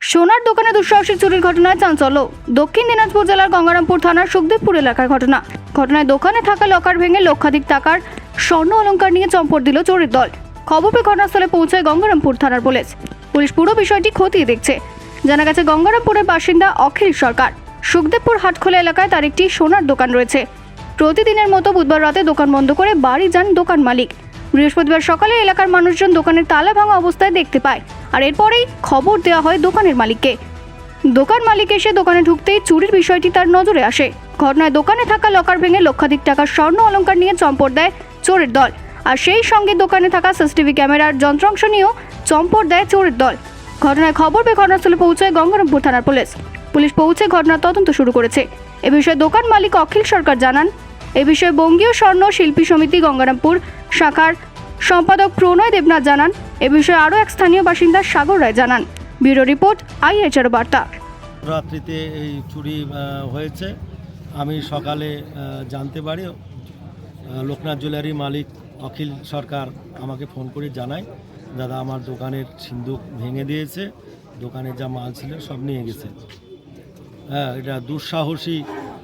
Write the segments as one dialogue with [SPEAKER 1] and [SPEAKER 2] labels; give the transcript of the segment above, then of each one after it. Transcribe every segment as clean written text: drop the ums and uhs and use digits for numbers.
[SPEAKER 1] সোনার দোকানে দুঃসাহসিক চুরির ঘটনায় চাঞ্চল্য। দক্ষিণ দিনাজপুর জেলার গঙ্গারামপুর থানার সুখদেবপুর এলাকার ঘটনায় দোকানে থাকা লকার ভেঙে লক্ষাধিক টাকার স্বর্ণ অলংকার নিয়ে চম্পট দিল চোরের দল। খবর পেয়ে ঘটনাস্থলে পৌঁছায় গঙ্গারামপুর থানার পুলিশ পুরো বিষয়টি খতিয়ে দেখছে। জানা গেছে, গঙ্গারামপুরের বাসিন্দা অখিল সরকার। সুখদেবপুর হাটখোলা এলাকায় তার একটি সোনার দোকান রয়েছে। প্রতিদিনের মতো বুধবার রাতে দোকান বন্ধ করে বাড়ি যান দোকান মালিক। বৃহস্পতিবার সকালে এলাকার মানুষজন দোকানের তালা ভাঙা অবস্থায় দেখতে পায়, আর এরপরেই খবর দেওয়া হয় দোকানের মালিককে। দোকান মালিক এসে দোকানে ঢুকতেই চুরির বিষয়টি তার নজরে আসে। ঘটনায় দোকানে থাকা লকার ভেঙে লক্ষাধিক টাকার স্বর্ণ অলংকার নিয়ে চম্পট দেয় চোরের দল, আর সেই সঙ্গে দোকানে থাকা সিসিটিভি ক্যামেরার যন্ত্রাংশ নিয়েও চম্পট দেয় চোরের দল। ঘটনায় খবর পেয়ে ঘটনাস্থলে পৌঁছায় গঙ্গারামপুর থানার পুলিশ পৌঁছে ঘটনার তদন্ত শুরু করেছে। এ বিষয়ে দোকান মালিক অখিল সরকার জানান, এ বিষয়ে বঙ্গীয় স্বর্ণ শিল্পী সমিতি গঙ্গারামপুর শাখার সম্পাদক প্রণয় দেবনাথ জানান। এ বিষয়ে আরও এক স্থানীয় বাসিন্দা সাগর রায় জানান। ব্যুরো রিপোর্ট, IHR বার্তা।
[SPEAKER 2] রাত্রিতে এই চুরি হয়েছে। আমি সকালে জানতে পারি, লোকনাথ জুয়েলারি মালিক অখিল সরকার আমাকে ফোন করে জানায়, দাদা আমার দোকানের সিন্দুক ভেঙে দিয়েছে, দোকানের যা মাল ছিল সব নিয়ে গেছে। হ্যাঁ, এটা দুঃসাহসী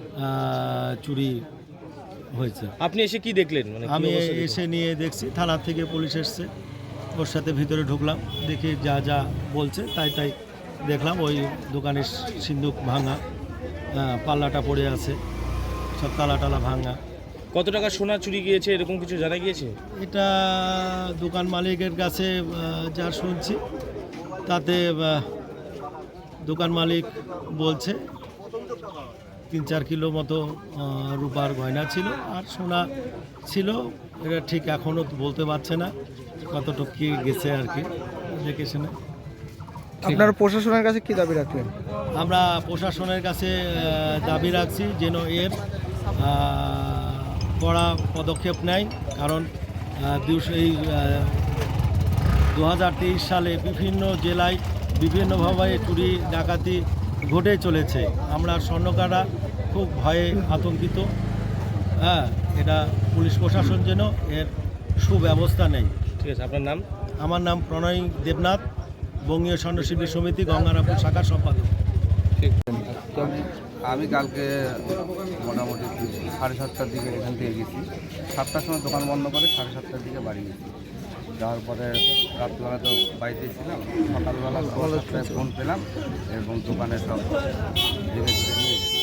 [SPEAKER 2] চুরি হয়েছে।
[SPEAKER 3] আপনি এসে কি দেখলেন?
[SPEAKER 2] আমি এসে নিয়ে দেখছি, থানা থেকে পুলিশ এসছে, ওর সাথে ভিতরে ঢুকলাম, দেখি যা যা বলছে তাই দেখলাম। ওই দোকানের সিন্দুক ভাঙা, পাল্লাটা পড়ে আছে, সব তালা ভাঙা।
[SPEAKER 3] কত টাকা সোনা চুরি গিয়েছে এরকম কিছু জানা গিয়েছে?
[SPEAKER 2] এটা দোকান মালিকের কাছে যা শুনছি তাতে দোকান মালিক বলছে 3-4 কিলো মতো রূপার গয়না ছিল আর সোনা ছিল। এটা ঠিক এখনও বলতে পারছে না কতটুকু কি গেছে আর কি দেখে শুনে।
[SPEAKER 4] আপনারা প্রশাসনের কাছে কি দাবি রাখলেন?
[SPEAKER 2] আমরা প্রশাসনের কাছে দাবি রাখছি যেন এর কড়া পদক্ষেপ নেয়, কারণ এই 2023 সালে বিভিন্ন জেলায় বিভিন্নভাবে চুরি ডাকাতি ঘটে চলেছে। আমরা স্বর্ণকাররা খুব ভয়ে আতঙ্কিত। হ্যাঁ, এটা পুলিশ প্রশাসন যেন এর সুব্যবস্থা নেয়।
[SPEAKER 3] ঠিক আছে, আপনার নাম?
[SPEAKER 2] আমার নাম প্রণয় দেবনাথ, বঙ্গীয় স্বর্ণশিল্পী সমিতি গঙ্গারামপুর শাখার সম্পাদক।
[SPEAKER 5] আমি কালকে মোটামুটি 7:30টার দিকে এখান থেকে গেছি। 7টার সময় দোকান বন্ধ করে 7:30টার দিকে বাড়ি গেছি। যাওয়ার পরে রাত্রিবেলা তো বাড়িতে ছিলাম, সকালবেলা 7টায় ফোন পেলাম এবং দোকানে সব ভেঙে চুরে নিয়ে গেছি।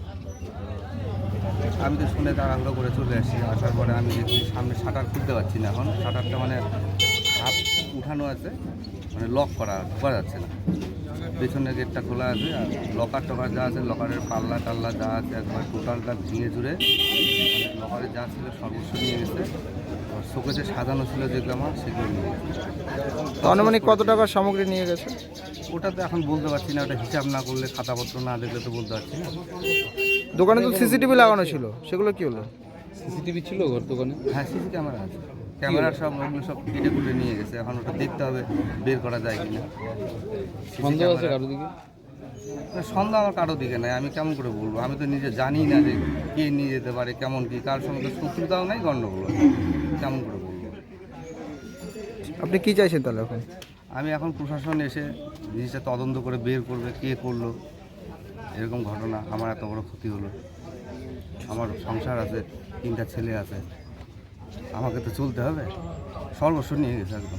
[SPEAKER 5] আমি তো শুনে তাড়াহুড়ো করে চলে আসছি। আসার পরে আমি দেখছি সামনে শাটার খুলতে পারছি না, এখন শাটারটা হাফ উঠানো আছে, লক করা ঢোকা যাচ্ছে না। পেছনের গেটটা খোলা আছে, আর লকার টকার যা আছে, লকারের পাল্লা টাল্লা যা আছে একবার টোটালটা ভেঙে চুরে লকারে যা ছিল সর্বস্ব নিয়ে গেছে। শোকেসে সাজানো ছিল যেগুলো আমার, সেগুলো নিয়ে গেছে।
[SPEAKER 4] আনুমানিক কত টাকার সামগ্রী নিয়ে গেছে
[SPEAKER 5] ওটা তো এখন বলতে পারছি না, ওটা হিসাব না করলে, খাতাপত্র না দেখলে তো বলতে পারছি না।
[SPEAKER 4] দোকানে তো সিসিটিভি লাগানো ছিল, সেগুলো কি হলো?
[SPEAKER 3] সিসিটিভি ছিল ঘর দোকানে?
[SPEAKER 5] হ্যাঁ, সিসি ক্যামেরা আছে, ক্যামেরার সব ওগুলো সব কেটে কুটে নিয়ে গেছে। এখন ওটা দেখতে হবে বের করা যায় কিনা।
[SPEAKER 3] সন্দেহ আছে কারোর দিকে?
[SPEAKER 5] সন্দেহ আমার কারোর দিকে নাই। আমি কেমন করে বলবো? আমি তো নিজে জানি না যে কে নিয়ে যেতে পারে, কেমন কি, কার সঙ্গে তো শত্রুতাও নাই, গণ্ডগোল, কেমন করে বলবো?
[SPEAKER 4] আপনি কি চাইছেন তাহলে এখন?
[SPEAKER 5] আমি এখন প্রশাসন এসে জিনিসটা তদন্ত করে বের করবে কে করলো এরকম ঘটনা। আমার এত বড় ক্ষতি হলো, আমার সংসার আছে, 3টা ছেলে আছে, আমাকে তো চলতে হবে। সর্বস্ব নিয়ে গেছে একদম।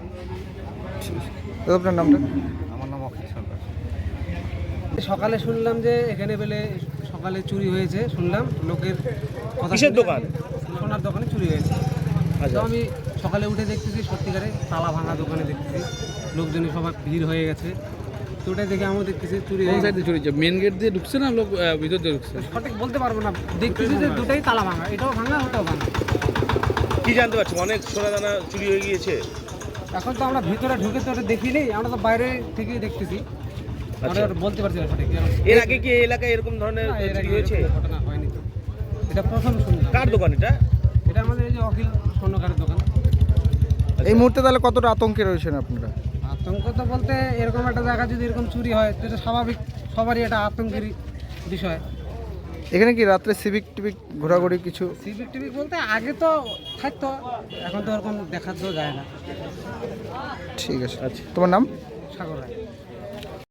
[SPEAKER 4] আপনার নামটা?
[SPEAKER 5] আমার নাম অখিল সরকার।
[SPEAKER 6] সকালে শুনলাম যে এখানে বেলে সকালে চুরি হয়েছে, শুনলাম লোকের কথা।
[SPEAKER 3] কিসের দোকান?
[SPEAKER 6] সোনার দোকানে চুরি হয়েছে। তো আমি সকালে উঠে দেখতেছি সত্যিকারে তালা ভাঙা দোকানে দেখতেছি, লোকজনের সবাই ভিড় হয়ে গেছে। তো ওটাই দেখে আমিও দেখতেছি চুরি হয়ে গেছে।
[SPEAKER 3] চুরি মেন গেট দিয়ে ঢুকছে না লোক ভিতর দিয়ে ঢুকছে?
[SPEAKER 6] সঠিক বলতে পারবো না, দেখতেছি যে দুটাই তালা ভাঙা, এটাও ভাঙা ওটাও ভাঙা।
[SPEAKER 3] কি জানতে পারছি অনেক সোনা দানা চুরি হয়ে গিয়েছে?
[SPEAKER 6] এখন তো আমরা ভিতরে ঢুকে তো ওটা দেখিনি, আমরা তো বাইরে থেকেই দেখতেছি, আমরা বলতে পারছি না সঠিক।
[SPEAKER 3] এর আগে কি এই এলাকায় এরকম ধরনের চুরি হয়েছে?
[SPEAKER 6] ঘটনা হয়নি তো, এটা প্রথম শুনলাম।
[SPEAKER 3] কার দোকান এটা?
[SPEAKER 6] এটা আমাদের এই যে অখিল স্বর্ণকারের দোকান।
[SPEAKER 4] এই মুহূর্তে তাহলে কতটা আতঙ্কে রয়েছেন আপনারা?
[SPEAKER 6] আতঙ্ক তো বলতে, এরকম একটা জায়গা যদি এরকম চুরি হয় তো এটা স্বাভাবিক, সবারই এটা আতঙ্কের বিষয়।
[SPEAKER 4] এখানে কি রাত্রে সিভিক টিভিক ঘোরাঘুরি কিছু?
[SPEAKER 6] সিভিক টিভিক বলতে আগে তো থাকতো, এখন তো এরকম দেখা তো যায় না।
[SPEAKER 4] ঠিক আছে, আচ্ছা। তোমার নাম?
[SPEAKER 6] সাগর রায়।